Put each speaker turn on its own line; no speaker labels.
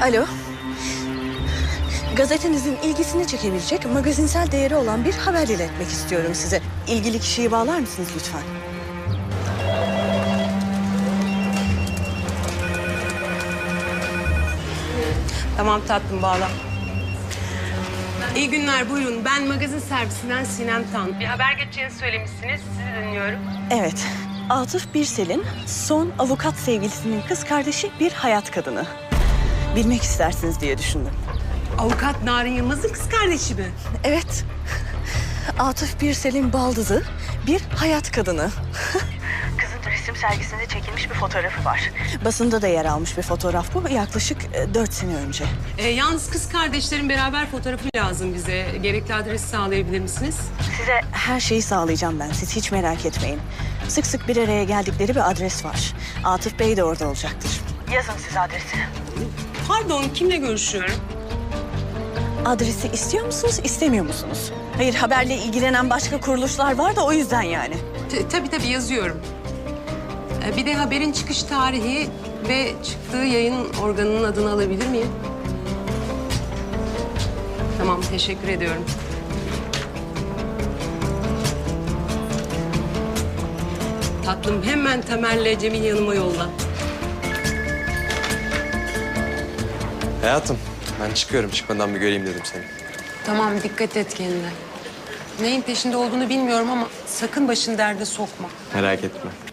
Alo. Gazetenizin ilgisini çekebilecek magazinsel değeri olan bir haber iletmek istiyorum size. İlgili kişiyi bağlar mısınız lütfen?
Tamam tatlım, bağla. İyi günler, buyurun. Ben magazin servisinden Sinem Tan. Bir haber geçeceğini söylemişsiniz. Sizi dinliyorum.
Evet. Atıf Birsel'in son avukat sevgilisinin kız kardeşi bir hayat kadını. Bilmek istersiniz diye düşündüm.
Avukat Narin Yılmaz'ın kız kardeşi mi?
Evet. Atıf Birsel'in baldızı bir hayat kadını. Kızın resim sergisinde çekilmiş bir fotoğrafı var. Basında da yer almış bir fotoğraf bu. Yaklaşık 4 sene önce.
Yalnız kız kardeşlerin beraber fotoğrafı lazım bize. Gerekli adresi sağlayabilir misiniz?
Size her şeyi sağlayacağım ben. Siz hiç merak etmeyin. Sık sık bir araya geldikleri bir adres var. Atıf Bey de orada olacaktır. Yazın siz adresi.
Pardon, kimle görüşüyorum?
Adresi istiyor musunuz, istemiyor musunuz? Hayır, haberle ilgilenen başka kuruluşlar var da o yüzden yani.
Tabii yazıyorum. Bir de haberin çıkış tarihi ve çıktığı yayın organının adını alabilir miyim? Tamam, teşekkür ediyorum. Tatlım, hemen Tamer'le Cem'in yanıma yolla.
Hayatım, ben çıkıyorum. Çıkmadan bir göreyim dedim seni.
Tamam, dikkat et kendine. Neyin peşinde olduğunu bilmiyorum ama sakın başını derde sokma.
Merak etme.